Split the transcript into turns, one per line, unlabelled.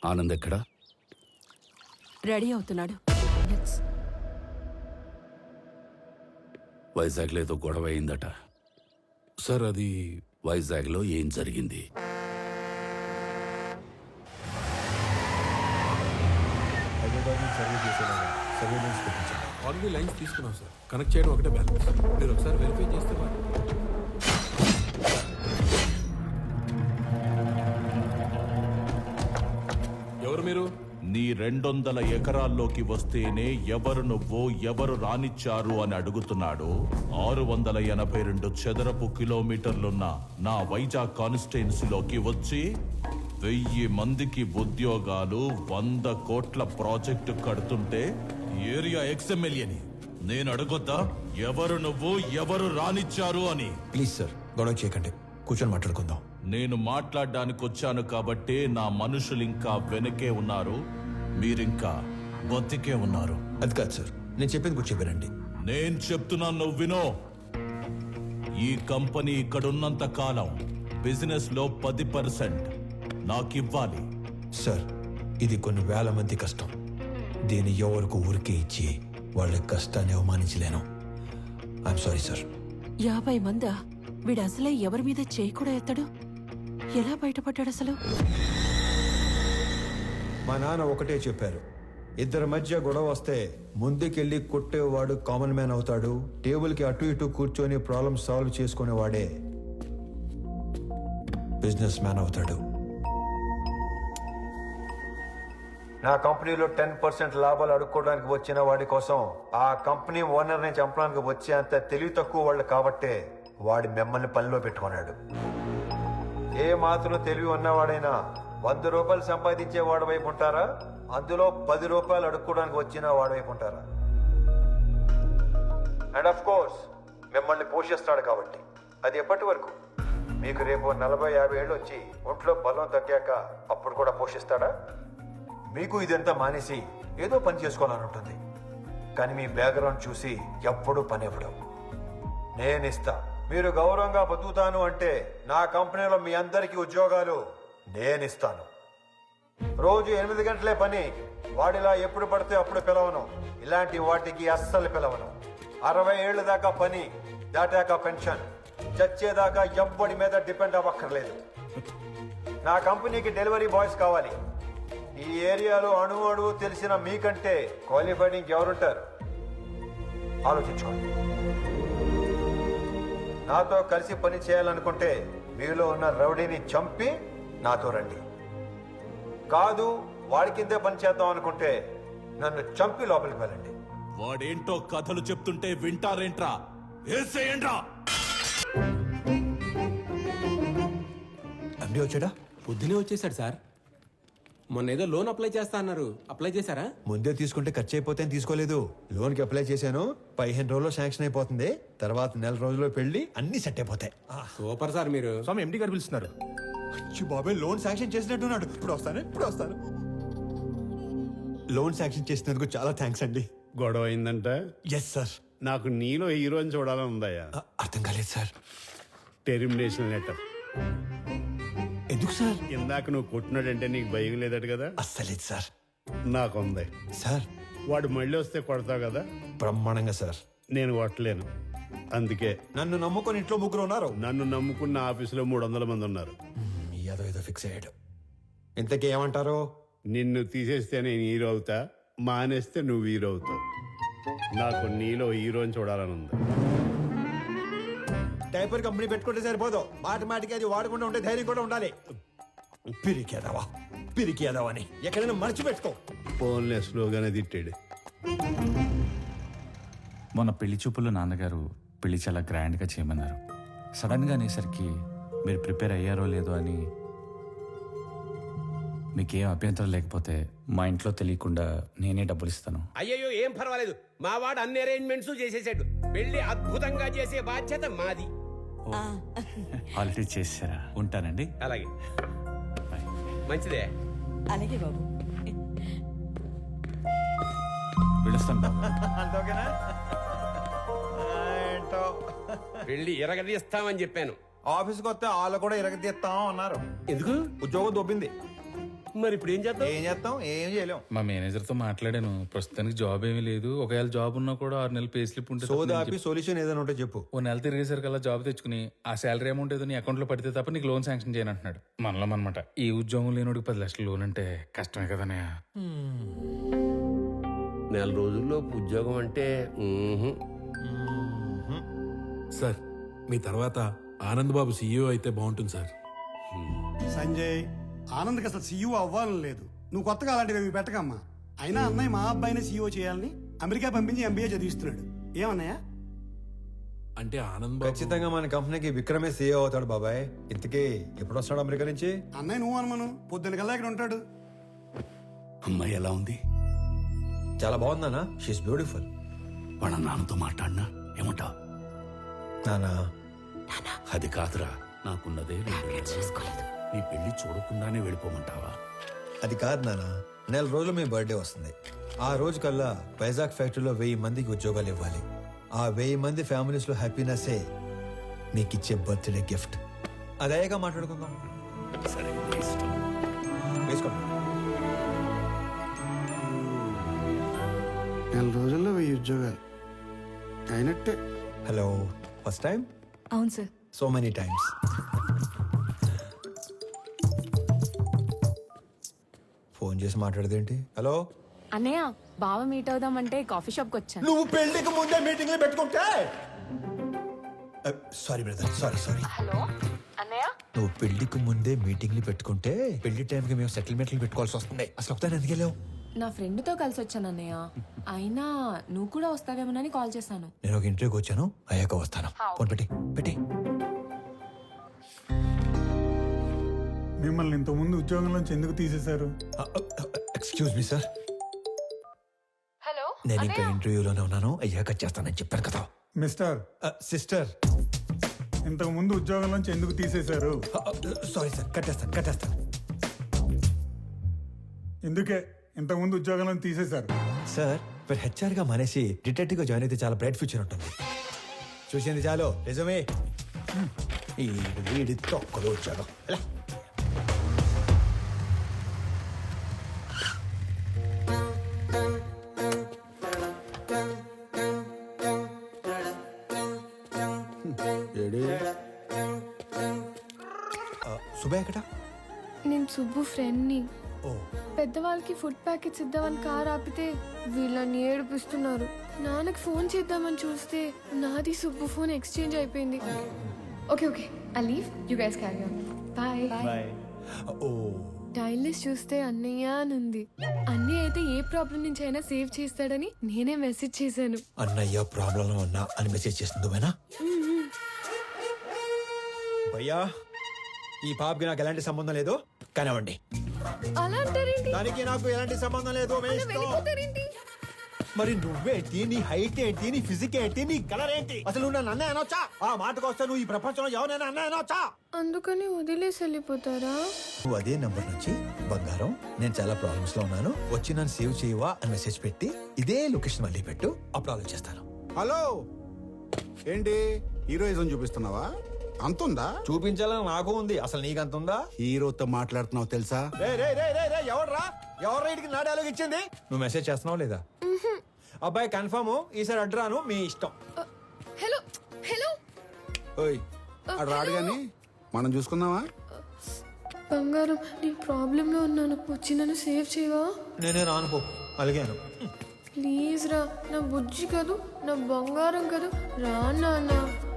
ఆనంద్ ఎక్కడా?
రెడీ అవుతున్నాడు.
వైజాగ్లో ఏదో గొడవ అయిందట. సార్, అది వైజాగ్లో ఏం జరిగింది?
ఆల్రెడీ లైన్స్ తీసుకున్నాం సార్. కనెక్ట్ చేయడం ఒకటే బ్యాలెన్స్. మీరు ఒకసారి వెరిఫై చేస్తే ఎవరు మీరు?
నీ 200 ఎకరాల్లోకి వస్తేనే ఎవరు నువ్వు, ఎవరు రానిచ్చారు అని అడుగుతున్నాడు. 682 చదరపు కిలోమీటర్లున్న నా వైజాగ్ కాన్స్టిట్యున్సీలోకి వచ్చి 1000 మందికి ఉద్యోగాలు, 100 కోట్ల ప్రాజెక్టు కడుతుంటే ఏరియా ఎక్స్ఎమ్మెల్యేని నేను అడగొద్దా ఎవరు నువ్వు, ఎవరు రానిచ్చారు అని?
ప్లీజ్ సార్, గొడవ చేయకండి, కూర్చొని మాట్లాడుకుందాం.
నేను మాట్లాడడానికి వచ్చాను కాబట్టే నా మనుషులు ఇంకా వెనకే ఉన్నారు, మీరింకా బతికే ఉన్నారు.
అది కాదు సార్, నేను చెప్పింది కూర్చో వినండి.
నేను చెప్తున్నాను, నువ్వు వినో. ఈ కంపెనీ ఇక్కడున్నంత కాలం బిజినెస్ లో 10% నాకివ్వాలి.
సార్, ఇది కొన్ని వేల మంది కష్టం. దీన్ని ఎవరికి ఊరికే ఇచ్చి వాళ్ళ కష్టాన్ని అవమానించలేను. I'm sorry sir.
50 మందా? వీడు అసలే ఎవరి మీద చేయి కూడా ఎత్తాడు. ఎలా బయటపడ్డాడు అసలు?
మా నాన్న ఒకటే చెప్పారు, ఇద్దరి మధ్య గొడవ వస్తే ముందుకెళ్ళి కొట్టేవాడు కామన్ మ్యాన్ అవుతాడు, టేబుల్కి అటు ఇటు కూర్చొని ప్రాబ్లమ్ సాల్వ్ చేసుకునేవాడే బిజినెస్ మ్యాన్ అవుతాడు. నా కంపెనీలో 10% లాభాలు అడుక్కోవడానికి వచ్చిన వాడి కోసం ఆ కంపెనీ ఓనర్ని చంపడానికి వచ్చే అంత తెలివి తక్కువ వాళ్ళు కాబట్టే వాడి మిమ్మల్ని పనిలో పెట్టుకున్నాడు. ఏ మాత్రం తెలివి ఉన్నవాడైనా 100 రూపాయలు సంపాదించే వాడి వైపు ఉంటారా, అందులో 10 రూపాయలు అడుక్కోవడానికి వచ్చిన వాడి వైపు ఉంటారా? అండ్ ఆఫ్ కోర్స్ మిమ్మల్ని పోషిస్తాడు కాబట్టి. అది ఎప్పటి వరకు? మీకు రేపు 40-50 ఏళ్ళు వచ్చి ఒంట్లో బలం తగ్గాక అప్పుడు కూడా పోషిస్తాడా? మీకు ఇదంతా మానేసి ఏదో పని చేసుకోవాలని ఉంటుంది, కానీ మీ బ్యాక్గ్రౌండ్ చూసి ఎప్పుడూ పని ఇవ్వడం. నేనిస్తా. మీరు గౌరవంగా బతుకుతాను అంటే నా కంపెనీలో మీ అందరికీ ఉద్యోగాలు నేనిస్తాను. రోజు 8 గంటలే పని. వాడిలా ఎప్పుడు పడితే అప్పుడు పిలవను. ఇలాంటి వాటికి అస్సలు పిలవను. 60 ఏళ్ళ దాకా పని, దాటాక పెన్షన్. చచ్చేదాకా ఎవ్వడి మీద డిపెండ్ అవ్వక్కర్లేదు. నా కంపెనీకి డెలివరీ బాయ్స్ కావాలి. ఈ ఏరియాలో అణువు తెలిసిన మీకంటే క్వాలిఫైడ్ ఇంకెవరుంటారు? ఆలోచించుకోండి. నాతో కలిసి పని చేయాలనుకుంటే మీలో ఉన్న రౌడీని చంపి నాతో రండి. కాదు, వాడి కిందే పని చేద్దాం అనుకుంటే నన్ను చంపి లోపలికి వెళ్ళండి.
వాడేంటో కథలు చెప్తుంటే వింటారేంట్రా? ఏసేయండ్రా.
అండి వచ్చాడా?
పొద్దునే వచ్చేసాడు సార్. మొన్న ఏదో లోన్ అప్లై చేస్తా అన్నారు, అప్లై చేశారా?
ముందే తీసుకుంటే ఖర్చు అయిపోతే తీసుకోలేదు. లోన్కి అప్లై చేశాను, 15 రోజుల్లో శాంక్షన్ అయిపోతుంది. తర్వాత 1 రోజుల్లో పెళ్లి, అన్ని సెట్ అయిపోతాయి.
సూపర్ సార్ మీరు.
స్వామి ఎండి గారు పిలుస్తున్నారు.
బాబాయ్ లోన్ శాంక్షన్ చేసినట్టున్నాడు. ఇప్పుడు వస్తాను. లోన్ శాంక్షన్ చేసినందుకు చాలా థ్యాంక్స్ అండి.
గొడవ అయిందంట?
Yes sir.
నాకు నీలో హీరోని చూడాలని ఉందయ్యా.
అర్థం కాలేదు సార్.
Termination letter.
ఎందుకు సార్?
ఇందాక నువ్వు కొట్టినాడంటే నీకు భయం లేదట కదా?
అస్సలేదు సార్.
నాకుంది
సార్.
వాడు మళ్ళీ వస్తే కొడతావు కదా?
బ్రహ్మాండంగా సార్.
నేను కొట్టలేను, అందుకే.
నన్ను నమ్ముకొని ఇంట్లో 3 ఉన్నారు.
నన్ను నమ్ముకున్న ఆఫీసులో 300 మంది ఉన్నారు.
ఏదో ఫిక్స్ అయ్యాడు. ఇంతకీ ఏమంటారు?
నిన్ను తీసేస్తే నేను హీరో అవుతా, మానేస్తే నువ్వు హీరో అవుతావు. నాకు నీలో హీరోని చూడాలని ఉంది.
డైపర్ కంపెనీ పెట్టుకుంటే సరిపోదు, మాటికి అది వాడకుండా ఉంటే ధైర్యం కూడా ఉండాలి. పిరికేదావా అని ఎక్కడైనా మర్చిపెట్టుకో.
ఫోన్లే స్లోగానే తిట్టాడు.
మొన్న పెళ్లి చూపుల్లో నాన్నగారు పెళ్లి చాలా గ్రాండ్గా చేయమన్నారు. సడన్గా అనేసరికి మీరు ప్రిపేర్ అయ్యారో లేదో అని. మీకేం అభ్యంతరం లేకపోతే మా ఇంట్లో తెలియకుండా నేనే డబ్బులు ఇస్తాను.
అయ్యయ్యో, ఏం పర్వాలేదు. మా వాడు అన్ని అరేంజ్మెంట్స్ చేసేసాడు. పెళ్లి అద్భుతంగా చేసే బాధ్యత మాది.
ఆల్రెడీ చేసారా? ఉంటానండి.
అలాగే, మంచిదే.
అలాగే బాబు.
పిలుస్తాను బాబు.
పెళ్లి ఎరగదీస్తామని చెప్పాను.
ఆఫీస్కి వస్తే వాళ్ళు కూడా ఇరగదీస్తాం అన్నారు.
ఎందుకు?
ఉద్యోగం దొబ్బింది.
మరి ఇప్పుడు ఏం చేద్దాం?
ఏం చేస్తాం, ఏం చేయలేం.
మా మేనేజర్తో మాట్లాడాను. ప్రస్తుతానికి జాబ్ ఏమీ లేదు. ఒకవేళ జాబ్ ఉన్నా కూడా 6 నెలలు పే స్లిప్ ఉంటే తప్ప
సోదా
నేను
ఆపి సొల్యూషన్ ఏదైనా ఉంటే చెప్పు.
ఓ నెల తిరిగేసరికల్లా జాబ్ తెచ్చుకుని ఆ శాలరీ అమౌంట్ ఏదో నీ అకౌంట్లో పడితే తప్ప నీకు లోన్ శాంక్షన్ చేయను అంటున్నాడు. మనలో అనమాట. ఈ ఉద్యోగం లేనోడికి 10 లక్షల లోన్ అంటే కష్టమే కదనయ్య.
నెల రోజుల్లో ఉద్యోగం అంటే
సార్ మీ తర్వాత ఆనంద్ బాబు సీఈఓ అయితే బాగుంటుంది సార్.
సంజయ్, ఆనంద్కి అసలు సీఈఓ అవ్వాలని లేదు. నువ్వు కొత్తగా అలాంటివి పెట్టకమ్మా. అయినా అన్నయ్య మా అబ్బాయిని సీఈఓ చేయాలని అమెరికా పంపించి ఎంబీఏ చదివిస్తున్నాడు. ఏమన్నయ్య?
అంటే ఆనంద్ బాబు
ఖచ్చితంగా మన కంపెనీకి విక్రమే సీఏ అవుతాడు బాబాయ్. ఇంతకీ ఎప్పుడు వస్తాడు అమెరికా నుంచి?
అన్నయ్య నువ్వు అనుమను పొద్దున్న కల్లా ఇక్కడ ఉంటాడు.
అమ్మాయి ఎలా ఉంది?
చాలా బాగుందన్నా. She is beautiful.
వాళ్ళ నాన్నతో మాట్లాడినా ఏమంటావు?
నానా
అది కాదురా, నాకున్నదే 2 నెలలు. నీ పెళ్లి చూడకుండానే వెళ్ళిపోమంటావా?
అది కాదు నానా, నెల రోజులు మీ బర్త్డే వస్తుంది. ఆ రోజు కల్లా వైజాగ్ ఫ్యాక్టరీలో 1000 మందికి ఉద్యోగాలు ఇవ్వాలి. ఆ 1000 మంది ఫ్యామిలీస్ లో హ్యాపీనెస్సే మీకు ఇచ్చే బర్త్డే గిఫ్ట్. అదేగా మాట్లాడుకుందాం.
సరే, నీ ఇష్టం.
వేసుకోండి.
నెల రోజుల్లో 1000 ఉద్యోగాలు అయినట్టే.
Hello, first time?
అవును sir.
So many times. Phone చేసి మాట్లాడదేంటి? హలో
అన్నయ్య, బావ మీట్ అవుదామంటే కాఫీ షాప్కి వచ్చాను.
నువ్వు పెళ్లికి ముందే మీటింగ్లు పెట్టుకుంటే. Sorry brother, sorry.
హలో అన్నయ్య.
నువ్వు పెళ్లికి ముందే మీటింగ్లు పెట్టుకుంటే పెళ్లి టైంకి మేము సెటిల్మెంట్లు పెట్టుకోవాల్సి వస్తుంది. అసలు ఒకసారి ఎందుకు వెళ్ళావు?
నా ఫ్రెండ్తో కలిసి వచ్చాను అన్నయ్య. అయినా నువ్వు కూడా వస్తావేమోనని కాల్ చేశాను.
నేను ఒక ఇంటర్వ్యూకి వచ్చాను, అయ్యాక వస్తాను. ఫోన్ పెట్టి.
మిమ్మల్ని ఇంతకుముందు ఉద్యోగం నుంచి ఎందుకు తీసేశారు?
ఎక్స్క్యూజ్ మీ సార్,
హలో
నేను ఇంకా ఇంటర్వ్యూలోనే ఉన్నాను, అయ్యాక చేస్తానని చెప్పాను కదా.
మిస్టర్,
సిస్టర్,
ఇంతకు ముందు ఉద్యోగం నుంచి ఎందుకు తీసేశారు?
సారీ సార్, కట్టేస్తాను.
ఎందుకే ఇంతకు ముందు ఉద్యోగం నుంచి తీసేశారు?
సార్, మీరు హెచ్ఆర్ గా మానేసి డిటెక్టివ్ గా జాయిన్ అయితే చాలా బ్రైట్ ఫ్యూచర్ ఉంటుంది. చూసింది చాలు, నిజమే. ఈ వీడి తొక్కలు వచ్చాడు. సుబే ఎక్కడ?
నేను సుబ్బు ఫ్రెండ్ని.
ఓ,
పెద్దవాళ్ళకి ఫుడ్ ప్యాకెట్స్ ఇద్దామని కార్ ఆపితే వీళ్ళని ఏడిపిస్తున్నారు. నాన్నకి ఫోన్ చేద్దామని చూస్తే నాది సుబ్బు ఫోన్ ఎక్స్చేంజ్ అయిపోయింది. Okay I leave, you guys carry on. Bye.
ఓ,
టైల్ లిస్ట్ చూస్తే అన్నయ్య అని ఉంది. అన్నయ్య అయితే ఏ ప్రాబ్లం నుంచి అయినా సేవ్ చేస్తాడని నేనే మెసేజ్ చేశాను.
అన్నయ్య ప్రాబ్లం ఉన్నా అని మెసేజ్ చేస్తుంది నువ్వేనా? భయ్యా, ఈ పాపకి నాకు ఎలాంటి సంబంధం లేదు, కానివ్వండి.
అలా అంటారేంటి?
దానికి నాకు ఎలాంటి సంబంధం లేదు.
వెళ్ళిపోతారేంటి?
మరి నువ్వేంటి, నీ హైట్ ఏంటి, నీ ఫిజిక్ ఏంటి, నీ కలర్ ఏంటి? అసలు నువ్వు నన్ను అన్నయ్య అనొచ్చా? ఆ మాటకు వస్తే నువ్వు ఈ ప్రపంచంలో ఎవరైనా అన్నయ్య అనొచ్చా?
అందుకని వదిలేసి వెళ్ళిపోతారా?
నువ్వు అదే నంబర్ నుంచి బంగారం, నేను చాలా ప్రాబ్లమ్స్ లో ఉన్నాను, వచ్చి నన్ను సేవ్ చేయవా అని మెసేజ్ పెట్టి ఇదే లొకేషన్ మళ్ళీ పెట్టు, అప్పుడు ఆలోచిస్తాను.
హలో, ఏంటి హీరోయిజం చూపిస్తున్నావా? అంతుందా?
చూపించాలని నాకు ఉంది, అసలు నీకు అంత ఉందా?
హీరోతో మాట్లాడుతున్నావు తెలుసా?
ఎవర్రా ఇటుకి నా డైలాగ్ ఇచ్చింది? నువ్వు మెసేజ్ చేస్తున్నావు లేదా? అబ్బాయి కన్ఫర్మ్, ఈసారి అడ్రాను, మీ ఇష్టం.
హలో
ఓయ్, అడు రాడు గాని మనం చూసుకుందామా?
బంగారం, నేను ప్రాబ్లంలో ఉన్నాను, వచ్చి నన్ను సేవ్ చేయవా?
నేనే రానుకో, అలిగాను.
ప్లీజ్ రా, నా బుజ్జి కదూ, నా బంగారం కదూ, రా నాన్న.